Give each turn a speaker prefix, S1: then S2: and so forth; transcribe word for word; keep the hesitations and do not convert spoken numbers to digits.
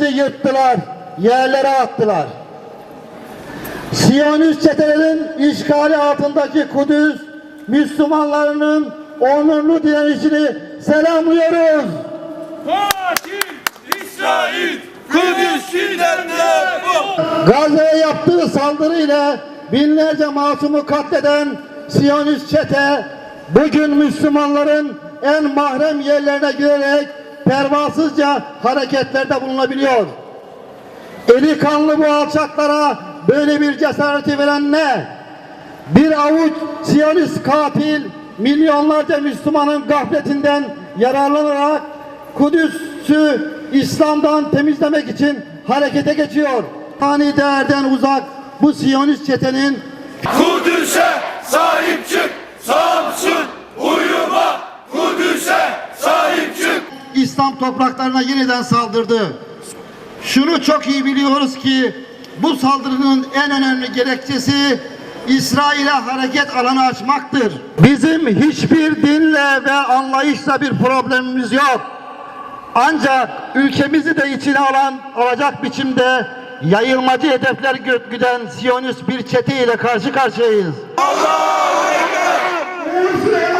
S1: Kudüs'ü yırttılar, yerlere attılar. Siyonist çetelerin işgali altındaki Kudüs Müslümanlarının onurlu direnişini selamlıyoruz.
S2: Katil İsrail Kudüs'ünden defol.
S1: Gazze'ye yaptığı saldırıyla binlerce masumu katleden Siyonist çete bugün Müslümanların en mahrem yerlerine girerek pervasızca hareketlerde bulunabiliyor. Eli kanlı bu alçaklara böyle bir cesareti veren ne? Bir avuç Siyonist katil milyonlarca Müslümanın gafletinden yararlanarak Kudüs'ü İslam'dan temizlemek için harekete geçiyor. Hani değerden uzak bu Siyonist çetenin
S2: Kudüs'e sahip çık, Samsun uyuma, Kudüs'e sahip çık.
S1: İslam topraklarına yeniden saldırdı. Şunu çok iyi biliyoruz ki bu saldırının en önemli gerekçesi İsrail'e hareket alanı açmaktır. Bizim hiçbir dinle ve anlayışla bir problemimiz yok. Ancak ülkemizi de içine alan, alacak biçimde yayılmacı hedefler güden Siyonist bir çete ile karşı karşıyayız.
S2: Allahu Ekber!